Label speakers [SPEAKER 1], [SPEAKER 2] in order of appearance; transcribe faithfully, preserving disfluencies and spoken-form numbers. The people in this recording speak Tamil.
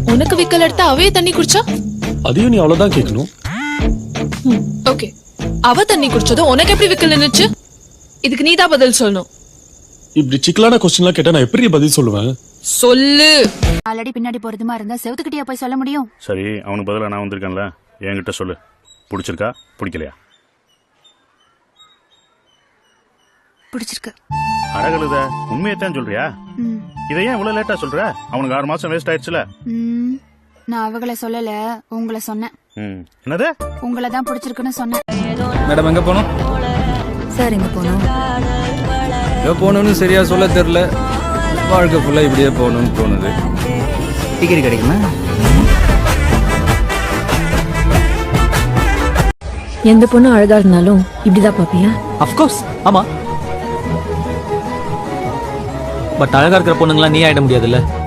[SPEAKER 1] உனக்கு விக்கல் எடுத்தா அவையே தண்ணி குடிச்சா?
[SPEAKER 2] அதையும் நீ அவ்வளவுதான் கேட்கணும்.
[SPEAKER 1] ஓகே, அவ தண்ணி குடிச்சதும் உனக்கு எப்படி விக்கல் நின்னுச்சு? இதுக்கு நீதான் பதில் சொல்லணும்.
[SPEAKER 2] இப்படி சிக்கலான கொஸ்டின்லாம் கேட்டா நான் எப்படி பதில் சொல்லுவேன்?
[SPEAKER 1] சொல்லு.
[SPEAKER 3] ஆல்ரெடி பின்னாடி போறதுமா இருந்தா செவுத்துக்கிட்டே போய் சொல்ல முடியும்.
[SPEAKER 4] சரி, அவனுக்கு பதிலா நான் வந்திருக்கேன்ல, என்கிட்ட சொல்லு. பிடிச்சிருக்கா பிடிக்கலையா?
[SPEAKER 3] பிடிச்சிருக்கு.
[SPEAKER 4] அழகழுத உண்மையத்தான் சொல்றியா? இதை ஏன் இவ்வளவு லேட்டா சொல்ற? அவனுக்கு ஆறு மாசம் வேஸ்ட் ஆயிடுச்சுல.
[SPEAKER 3] நான் அவங்கள சொல்லல, உங்களை சொன்னேன்.
[SPEAKER 4] என்னது?
[SPEAKER 3] உங்களை தான் பிடிச்சிருக்குன்னு சொன்னேன்.
[SPEAKER 5] மேடம் எங்க போனோம்?
[SPEAKER 3] சார் எங்க போனோம்?
[SPEAKER 5] எங்க போகணும்னு சரியா சொல்ல தெரியல. வாழ்க்கை ஃபுல்லா இப்படியே போகணும்னு தோணுது. டிக்கெட் கிடைக்குமா?
[SPEAKER 6] எந்த பொண்ணு அழகா இருந்தாலும் இப்படிதான் பாப்பியா?
[SPEAKER 7] அஃப்கோர்ஸ், ஆமா. பட் அழகா இருக்கிற பொண்ணுங்களா நீ ஆயிட முடியாதுல்ல.